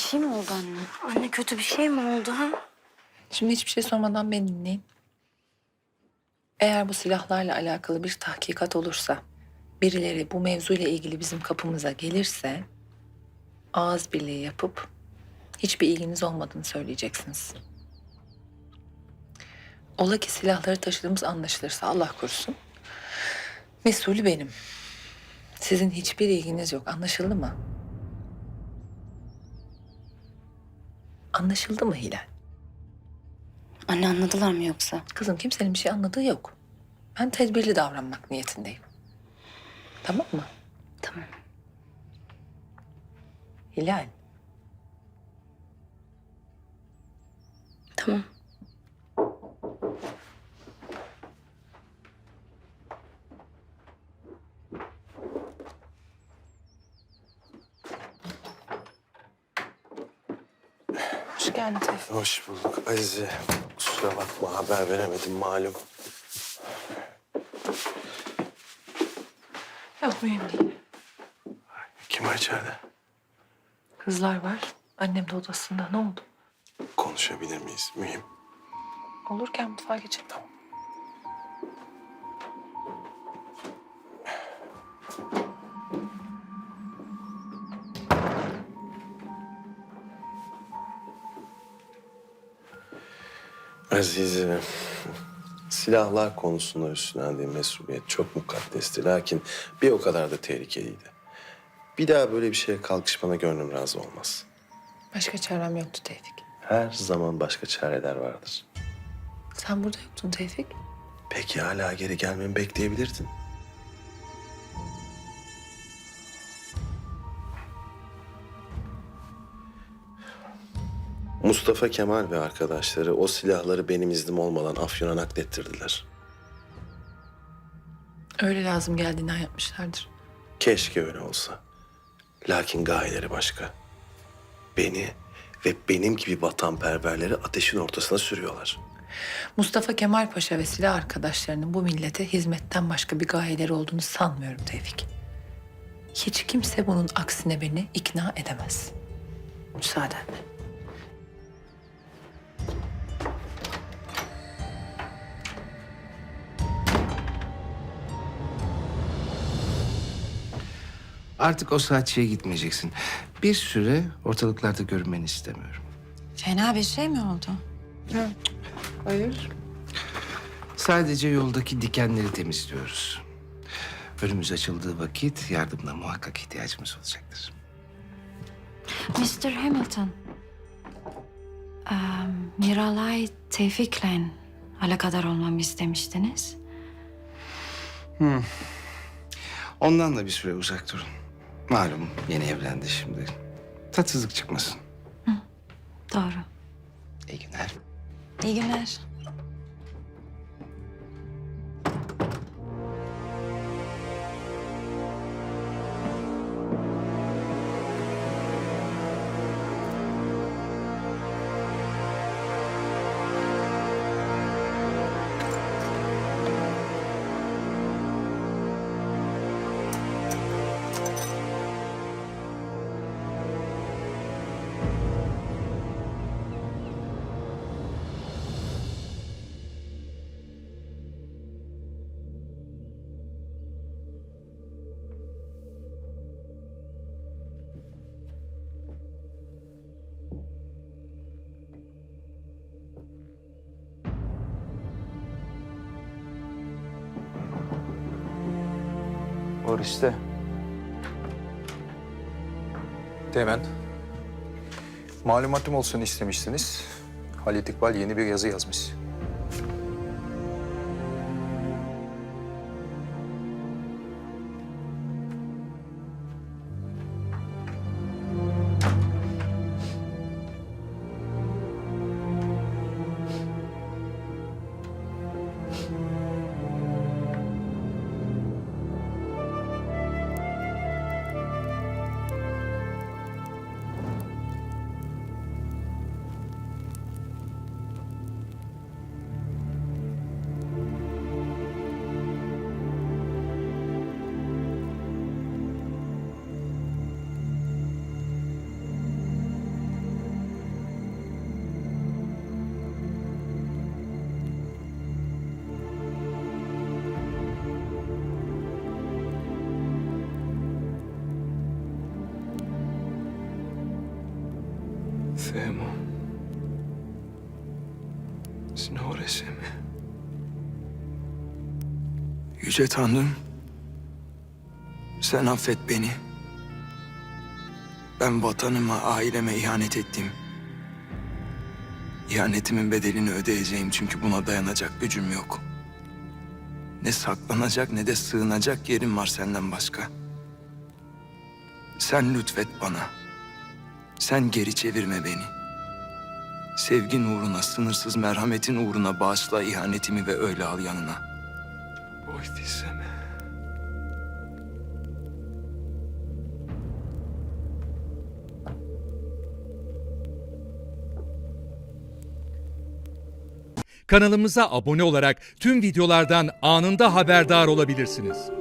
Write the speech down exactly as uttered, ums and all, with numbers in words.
şey mi oldu anne? Anne kötü bir şey mi oldu ha? Şimdi hiçbir şey sormadan beni dinleyin. Eğer bu silahlarla alakalı bir tahkikat olursa, birileri bu mevzuyla ilgili bizim kapımıza gelirse, ağız birliği yapıp hiçbir ilginiz olmadığını söyleyeceksiniz. Ola ki silahları taşıdığımız anlaşılırsa Allah korusun, mesulü benim. Sizin hiçbir ilginiz yok. Anlaşıldı mı? Anlaşıldı mı Hilal? Anne anladılar mı yoksa? Kızım kimsenin bir şey anladığı yok. Ben tedbirli davranmak niyetindeyim. Tamam mı? Tamam. Hilal. Tamam. Hoş geldin Tevfik. Hoş bulduk Azize. Kusura bakma haber veremedim malum. Yok mühim değil. Kim var içeride? Kızlar var. Annem de odasında. Ne oldu? Konuşabilir miyiz? Mühim. Olurken mutfağa geçelim. Tamam. Azize, silahlar konusunda üstlendiğim mesuliyet çok mukaddesti. Lakin bir o kadar da tehlikeliydi. Bir daha böyle bir şeye kalkışmana gönlüm razı olmaz. Başka çarem yoktu Tevfik. Her zaman başka çareler vardır. Sen burada yoktun Tevfik. Peki hala geri gelmemi bekleyebilirdin. Mustafa Kemal ve arkadaşları o silahları benim iznim olmadan Afyon'a naklettirdiler. Öyle lazım geldiğinden yapmışlardır. Keşke öyle olsa. Lakin gayeleri başka. Beni ve benim gibi vatanperverleri ateşin ortasına sürüyorlar. Mustafa Kemal Paşa ve silah arkadaşlarının bu millete hizmetten başka bir gayeleri olduğunu sanmıyorum Tevfik. Hiç kimse bunun aksine beni ikna edemez. Müsaadenle. Artık o saatçiye gitmeyeceksin. Bir süre ortalıklarda görünmeni istemiyorum. Fena bir şey mi oldu? Hayır. Sadece yoldaki dikenleri temizliyoruz. Önümüz açıldığı vakit yardımına muhakkak ihtiyacımız olacaktır. mister Hamilton. Ee, Miralay Tevfik'le alakadar olmamı istemiştiniz. Ondan da bir süre uzak durun. Malum yeni evlendi şimdi. Tatsızlık çıkmasın. Doğru. İyi günler. İyi günler. Oriste. Teğmen. Malumatım olsun istemişsiniz. Halit İkbal yeni bir yazı yazmış. Themo. Signore Seme. Yüce Tanrım, sen affet beni. Ben vatanıma, aileme ihanet ettim. İhanetimin bedelini ödeyeceğim çünkü buna dayanacak gücüm yok. Ne saklanacak ne de sığınacak yerim var senden başka. Sen lütfet bana. Sen geri çevirme beni. Sevgin uğruna, sınırsız merhametin uğruna bağışla ihanetimi ve öyle al yanına. Oy dizeme. Kanalımıza abone olarak tüm videolardan anında haberdar olabilirsiniz.